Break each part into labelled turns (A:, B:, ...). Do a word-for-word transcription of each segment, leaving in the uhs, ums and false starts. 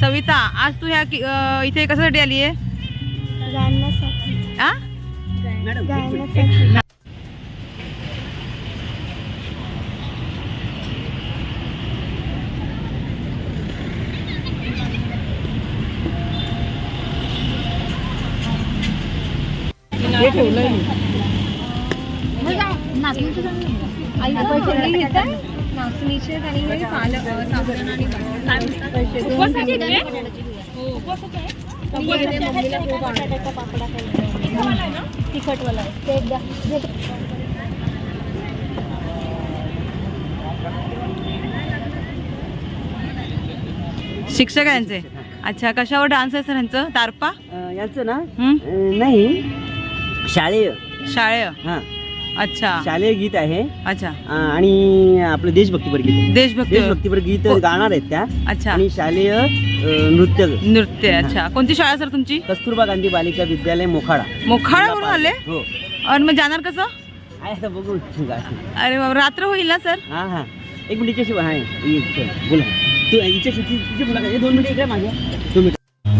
A: सविता, आज तू ह्या इथे कशासाठी आली आहे?
B: गाण्यासाठी.
A: आ?
B: गाण्यासाठी.
A: हे ठेवलंय मी.
B: नाचणीचे आणि साबुदाणा आणि तिखटवाला ते एकदा
A: शिक्षक यांचे. अच्छा, कशावर डान्स आहे सर यांचं? तारपा
C: यांचं ना नाही, शालेय
A: शाळेय.
C: हा,
A: अच्छा,
C: शालेय गीत आहे.
A: अच्छा,
C: आणि आपलं देशभक्तीपर गीत,
A: देशभक्ती
C: देशभक्तीपर गीत गाणार आहेत त्या.
A: अच्छा,
C: आणि शालेय नृत्य
A: नृत्य. अच्छा, कोणती शाळा सर तुमची?
C: कस्तुरबा गांधी बालिका विद्यालय मोखाडा.
A: मोखाडावरून आले?
C: हो.
A: और मग जाणार कसं?
C: आहे आता बघू.
A: अरे बाबा, रात्र होईल ना सर?
C: हा हा, एक मिनिट हिच्याशी आहे, बोला तू हिच्याशी तिची बोला. दोन मिनिट इकडे माझ्या, दोन मिनिट.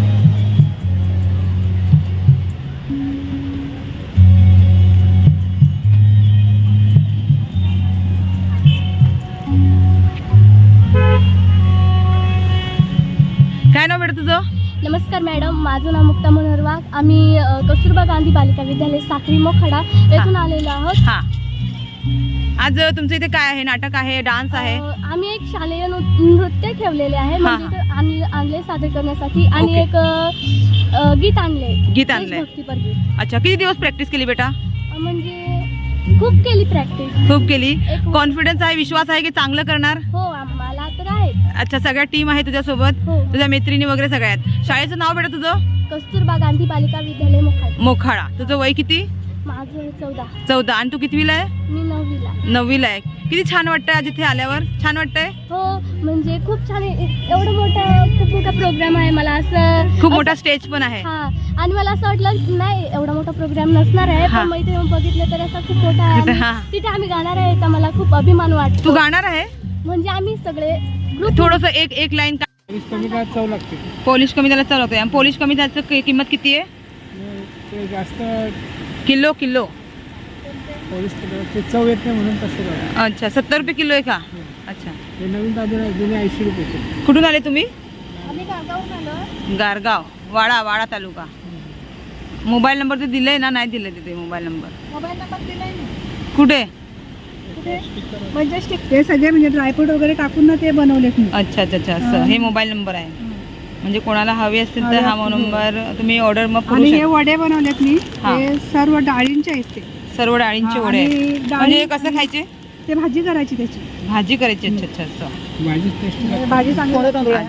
A: काय नाव बेटा तुझं?
B: नमस्कार मॅडम, माझं नाव मुक्ता मनोहर वाघ. आम्ही अ, कस्तुरबा गांधी बालिका विद्यालय साखरी मोखाडा येथून आलेलो आहोत.
A: हा, आज तुमचं इथे काय आहे? नाटक आहे, डान्स आहे?
B: अ, आम्ही एक शालेय नृ- नृत्य ठेवलेले आहे, म्हणजे ते आणले आणले सादर करण्यासाठी. आणि
A: ओके.
B: एक अ, अ, गीत आणले,
A: गीत आणलंय.
B: देशभक्तीपर गीत.
A: अच्छा, किती दिवस प्रॅक्टिस केली बेटा?
B: अ, म्हणजे खूप केली प्रॅक्टिस.
A: खूप केली.
B: एक-
A: कॉन्फिडन्स आहे, विश्वास आहे की चांगलं करणार?
B: हो, आम्हाला तर आहे.
A: अच्छा, सगळ्या टीम आहे तुझ्यासोबत?
B: हो.
A: तुझ्या मैत्रिणी वगैरे सगळ्या आहेत. शाळेचं नाव बेटा तुझं?
B: कस्तुरबा गांधी बालिका विद्यालय मोखाडा.
A: मोखाडा. तुझं वय किती?
B: माझं चौदा.
A: चौदा. आणि तू कितवीला आहे?
B: मी नववीला.
A: नववीला आहे. किती छान वाटतंय आज इथे आल्यावर? छान वाटतंय?
B: हो, म्हणजे खूप छान आहे. एवढं मोठं खूप मोठा प्रोग्राम आहे. मला असं
A: खूप मोठा स्टेज पण आहे.
B: हा, आणि मला असं वाटलं नाही एवढा मोठा प्रोग्राम नसणार आहे,
A: हा.
B: पण मग इथे बघितलं तर असा खूप मोठा आहे.
A: हा.
B: आणि तिथे आम्ही गाणार आहे, याचा मला खूप अभिमान
A: तू
B: वाटतो.
A: गाणार आहे?
B: म्हणजे आम्ही सगळे group-
A: थोडस एक एक लाईन.
D: पोलीस कमी काय चव लागते,
A: पोलिश कमी त्याला चालवतोय. आणि पोलिश कमी त्याचं कि- किंमत किती आहे?
D: ते जास्त
A: किलो किलो.
D: पोलीस ते चव येत नाही म्हणून तसं झालं.
A: अच्छा, सत्तर रुपये किलो आहे का? अच्छा.
D: हे नवीन ताजून आहे, जुने ऐंशी रुपये किलो.
A: कुठून आले तुम्ही?
B: आम्ही गावाहून आलो.
A: गारगाव, वाडा वाडा तालुका. मोबाईल नंबर ते दिलंय ना? नाही दिलंय तिथे मोबाईल नंबर.
B: मोबाईल नंबर दिलाय ना.
A: कुठे?
B: म्हणजे
D: ते सगळे म्हणजे ड्रायफ्रूट वगैरे टाकून ना ते बनवलेत मी.
A: अच्छा अच्छा अच्छा, असं हे मोबाईल नंबर आहे. म्हणजे कोणाला हवे असतील तर हा नंबर तुम्ही ऑर्डर मग करू
D: आणि हे
A: शकता.
D: वडे बनवलेत मी,
A: हा.
D: हे सर्व डाळींचे आहेत. ते
A: सर्व डाळींचे
D: हा,
A: वडे
D: आणि
A: आहेत.
D: डाळी-
A: म्हणजे हे कसं खायचे?
D: ते भाजी करायची त्याची.
A: भाजी करायची. अच्छा अच्छा, असं.
D: भाजी भाजी चांगली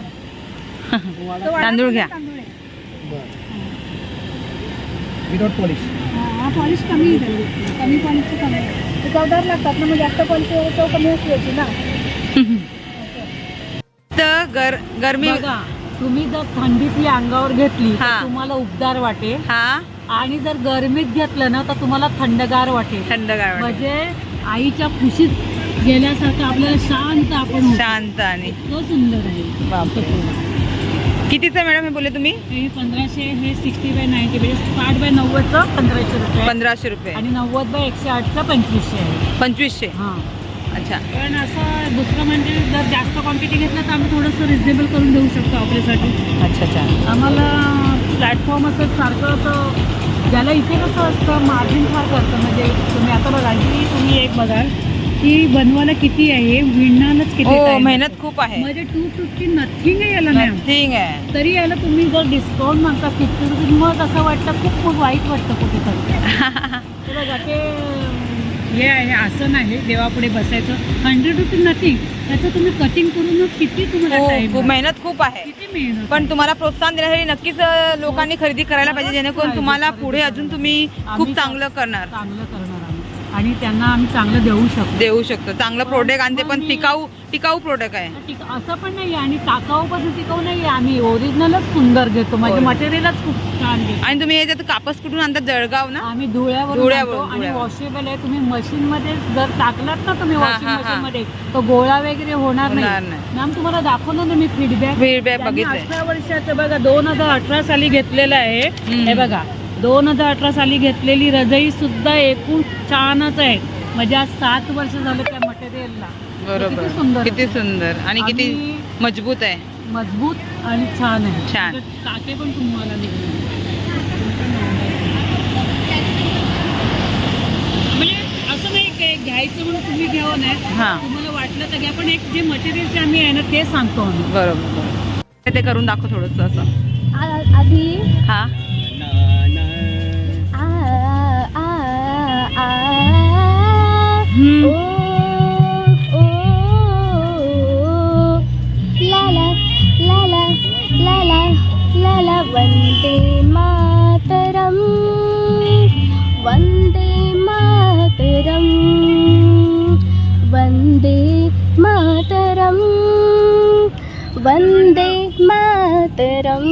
A: तांदूळ घ्या.
D: Without polish. हा, पॉलिश कमी आहे, कमी पॉलिशची कमी आहे. चवदार लागतात ना, मग जास्त पॉलिश चव कमी असल्याची ना.
A: तर गर गरमी.
E: बघा, तुम्ही जर थंडीतली अंगावर घेतली
A: हा.
E: तर तुम्हाला उबदार वाटेल,
A: हा,
E: आणि जर गरमीत घेतलं ना तर तुम्हाला थंडगार वाटेल.
A: थंडगार वाटेल.
E: म्हणजे आईच्या खुशीत गेल्यासारखं आपल्याला शांत आपण होतो.
A: शांत. आणि
E: इतकं सुंदर आहे.
A: बापरे. कितीचं मॅडम हे बोलले तुम्ही?
E: हे पंधराशे, हे सिक्स्टी बाय नाईन्टी, म्हणजे साठ बाय नव्वदचं पंधराशे रुपये,
A: पंधराशे रुपये.
E: आणि नव्वद बाय एकशे आठचं पंचवीसशे आहे.
A: पंचवीसशे.
E: हां,
A: अच्छा.
E: पण असं दुसरं म्हणजे जर जास्त क्वांटिटी घेतलं तर आम्ही थोडंसं रिजनेबल करून देऊ शकतो आपल्यासाठी.
A: अच्छा अच्छा.
E: आम्हाला प्लॅटफॉर्म असं सारखं असं, ज्याला इथे कसं असतं मार्जिन फार करतं. म्हणजे तुम्ही आता बघा की तुम्ही एक बघाल की बनवायला किती आहे, विणणारच किती
A: हो,
E: time.
A: मेहनत खूप आहे.
E: म्हणजे टू फिफ्टी नथिंग आहे याला मॅम.
A: ठीक आहे.
E: तरी याला तुम्ही जर डिस्काउंट म्हणता फिफ्टी रुपीज, मग असं वाटतं खूप खूप वाईट वाटतं कुठेतरी. ते बघा ते हे आहे, आसन आहे देवापुढे बसायचं, हंड्रेड रुपीज नथिंग. त्याचं तुम्ही कटिंग करून किती तुम्हाला
A: खूप
E: टाइम,
A: खूप मेहनत खूप आहे.
E: किती मेहनत.
A: पण तुम्हाला प्रोत्साहन देण्यासाठी नक्कीच अ, लोकांनी खरेदी करायला पाहिजे, जेणेकरून तुम्हाला पुढे अजून तुम्ही खूप चांगलं करणार.
E: चांगलं करणार आम्ही. आणि त्यांना आम्ही चांगलं देऊ शकतो.
A: देऊ शकतो चांगलं प्रोडक्ट आणि ते पण टिकाऊ टिकाऊ प्रोडक्ट आहे.
E: टिक- असं पण नाही आणि टाकाऊ पण टिकाऊ नाही, आम्ही ओरिजिनलच सुंदर घेतो, म्हणजे
A: होय.
E: मटेरियलच खूप छान घेतो.
A: आणि तुम्ही याच्यात कापस कुठून आणतात? जळगाव ना?
E: आम्ही धुळ्यावर
A: धुळ्यावरून,
E: आणतो आणि
A: धुळ्यावरून.
E: वॉशेबल आहे. तुम्ही मशीन मध्ये जर टाकलात ना तुम्ही
A: हा,
E: वॉशिंग
A: हा,
E: मशीन
A: हा.
E: मध्ये तो गोळा वगैरे होणार
A: होणार
E: नाही.
A: नाही.
E: मॅम तुम्हाला दाखवलं ना मी फीडबॅक
A: फीडबॅक बघितलंय.
E: अठरा वर्षाचं बघा, दोन हजार अठरा साली घेतलेलं आहे.
A: हम्म.
E: हे बघा दोन हजार अठरा साली घेतलेली रजई सुद्धा एकूण छानच आहे. म्हणजे आज सात वर्ष झालं त्या मटेरियलला.
A: बरोबर.
E: किती सुंदर
A: किती
E: आहे.
A: सुंदर आणि किती
E: आणि
A: मजबूत आहे.
E: मजबूत आणि छान आहे.
A: छान.
E: त्याचे टाके पण तुम्हाला निघणार. म्हणजे असं नाही काय घ्यायचं म्हणून तुम्ही घ्यावं नाही,
A: हा.
E: तुम्हाला वाटलं तर घ्या, पण एक जे मटेरियल आम्ही आहे ना ते सांगतो आम्ही.
A: बरोबर. ते करून दाखव थोडस असं.
B: आ- आधी
A: हा
B: आ आ आ
A: हम्म.
B: ओ ओ ला ला ला ला ला ला ला ला वंदे मातरम वंदे मातरम वंदे मातरम वंदे मातरम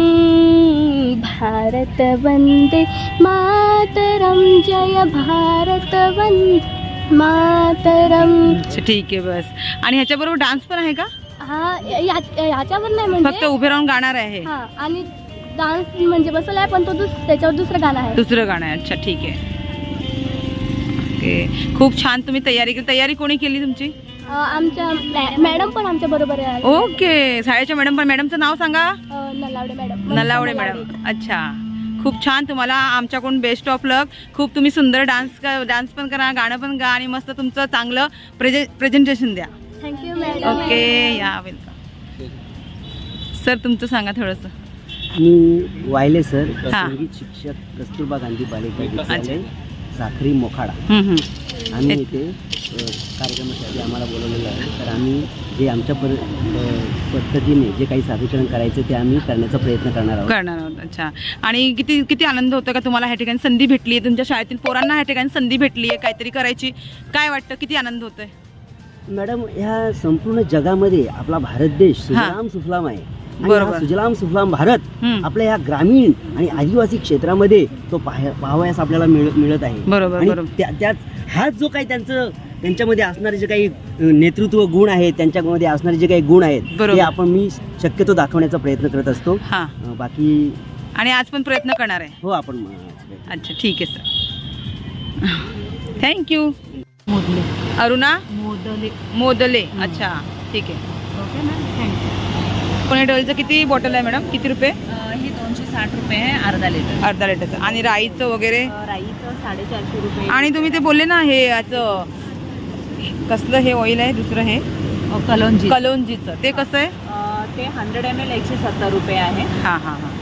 B: भारत वंदे मातरम जय भारत वंदे मातरम.
A: अच्छा, ठीक आहे बस. आणि ह्याच्या बरोबर डान्स पण आहे का?
B: हा या- याच्यावर नाही
A: फक्त
B: म्हणजे
A: उभे राहून गाणार आहे?
B: हा आणि डान्स म्हणजे बसवला आहे, पण तो दुस त्याच्यावर दुसरं गाणं आहे.
A: दुसरं गाणं आहे. अच्छा ठीक आहे. ओके, खूप छान तुम्ही तयारी केली. तयारी कोणी केली तुमची?
B: अ, आमच्या मॅ- मॅडम पण आमच्या बरोबर आहे.
A: ओके, शाळेच्या मॅडम पण. मॅडमचं नाव सांगा.
B: अ, नलावडे मॅडम.
A: नलावडे मॅडम. अच्छा, खूप छान. तुम्हाला आमच्याकडून बेस्ट ऑफ लक. खूप तुम्ही सुंदर डान्स डान्स पण करा, गाणं पण गा आणि मस्त तुमचं चांगलं प्रेझे प्रेझेंटेशन द्या.
B: Thank you madam.
A: ओके, या वेलकम. सर तुमचं सांगा थोडंसं.
C: मी वायले सर,
A: हा.
C: संगीत शिक्षक, कस्तुरबा गांधी बालिका विद्यालय, साखरी मोखाडा.
A: हम्म, हम्म.
C: आम्ही इथे अ, कार्यक्रमासाठी आम्हाला बोलवलेलं आहे. तर आम्ही जे आमच्या पर अ, पद्धतीने जे काही सादरीकरण करायचं ते आम्ही करण्याचा प्रयत्न करणार आहोत.
A: करणार आहोत. अच्छा, आणि किती किती आनंद होतो का तुम्हाला ह्या ठिकाणी संधी भेटली आहे? तुमच्या शाळेतील पोरांना ह्या ठिकाणी संधी भेटली आहे काहीतरी करायची. काय वाटतं, किती आनंद होतोय?
C: मॅडम, ह्या संपूर्ण जगामध्ये आपला भारत देश सुजलाम सुफलाम आहे. आणि
A: बरोबर.
C: हा सुजलाम सुफलाम भारत
A: हम्म.
C: आपल्या ह्या ग्रामीण आणि आदिवासी क्षेत्रामध्ये तो पाह- पाहावयास आपल्याला मिळ मिळत आहे.
A: बरोबर,
C: आणि
A: बरोबर.
C: त्या- त्याच हाच जो काही त्यांचं त्यांच्यामध्ये असणारे जे काही अ, नेतृत्व गुण आहेत, त्यांच्यामध्ये असणारे जे काही गुण आहेत
A: बरोबर.
C: ते आपण मी शक्यतो दाखवण्याचा प्रयत्न करत असतो.
A: हां,
C: अ, बाकी
A: आणि आज पण प्रयत्न करणार आहे?
C: हो, आपण अ,
A: अच्छा, ठीक आहे सर. थँक्यू.
E: मोदले
A: अरुणा
E: मोदले
A: मोदले. अच्छा, ठीक आहे.
E: Okay ma'am, thank you.
A: कोणी डोलचं किती बॉटल आहे मॅडम? किती रुपये?
E: ही दोनशे साठ रुपये आहे अर्धा लिटर.
A: अर्धा लिटरचं. आणि राईचं वगैरे?
E: राईचं साडेचारशे रुपये.
A: आणि तुम्ही ते बोलले ना हे याचं कसलं हे ऑइल आहे दुसरं हे
E: कलोंजी
A: कलोंजीचं, ते कसं आहे?
E: ते हंड्रेड एम एल एकशे सत्तर रुपये आहे.
A: हां हां हां.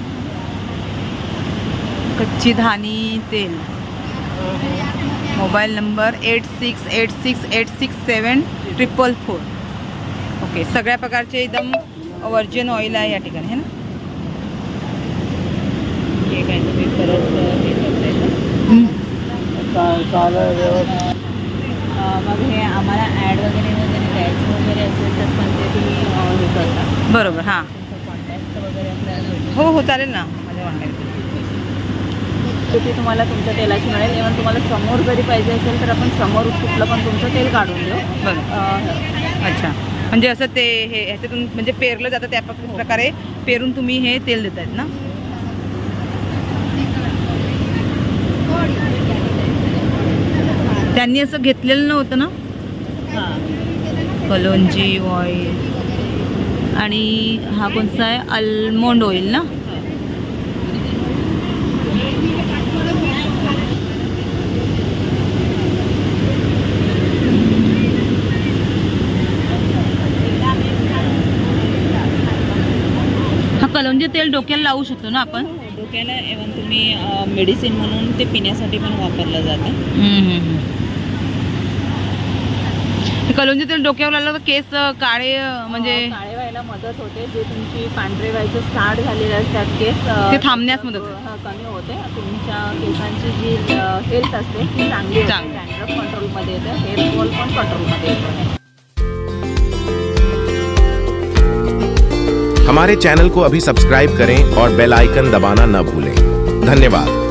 A: कच्ची धानी तेल. Mobile number eight six eight six eight six seven triple four. Okay, सगळ्या प्रकारचे एकदम वर्जिन ऑइल आहे या ठिकाणी, है ना?
E: हे काय तुम्ही परत हे करताय का? मग हे आम्हाला ॲड वगैरे वगैरे द्यायचं वगैरे असेल तर पण ते तुम्ही हे करता.
A: बरोबर. हां,
E: तुमचं कॉन्टॅक्ट वगैरे आपल्याला भेटेल.
A: हो हो चालेल ना. माझ्या कॉन्टॅक्ट.
E: ते तुम्हाला तुमच्या तेलाची मिळेल. इव्हन तुम्हाला समोर जरी पाहिजे असेल तर आपण समोर कुठलं पण तुमचं तेल काढून देऊ.
A: बरं.
E: अं,
A: अच्छा, म्हणजे असं ते हे ह्याच्यातून म्हणजे पेरलं जातं त्या प्रक- प्रकारे पेरून तुम्ही हे तेल देत आहेत ना? त्यांनी असं घेतलेलं नव्हतं ना?
E: हां.
A: कलोंजी ऑइल. आणि हा कोणता आहे? आल्मोंड ऑइल ना? हा कलोंजी तेल डोक्याला लावू शकतो ना आपण?
E: डोक्याला इव्हन तुम्ही मेडिसिन म्हणून ते पिण्यासाठी पण वापरलं जातं.
A: कलोंजी तेल डोक्यावर लावलं तर केस काळे अं, म्हणजे
E: काळे व्हायला
F: व्हायला मदत होते. जे तुमची पांढरे व्हायचे स्टार्ट झालेले असतात केस अ,
A: ते थांबण्यास मदत होते.
F: हा, कमी होते. तुमच्या केसांची जी हेल्थ असते ती चांगली होते.
A: चांगली.
F: डॅन्ड्रफ कंट्रोलमध्ये येते. हेअर फॉल पण कंट्रोलमध्ये येतो.
G: हमारे चैनल को अभी सब्सक्राइब करें और बेल आइकन दबाना न भूलें। धन्यवाद।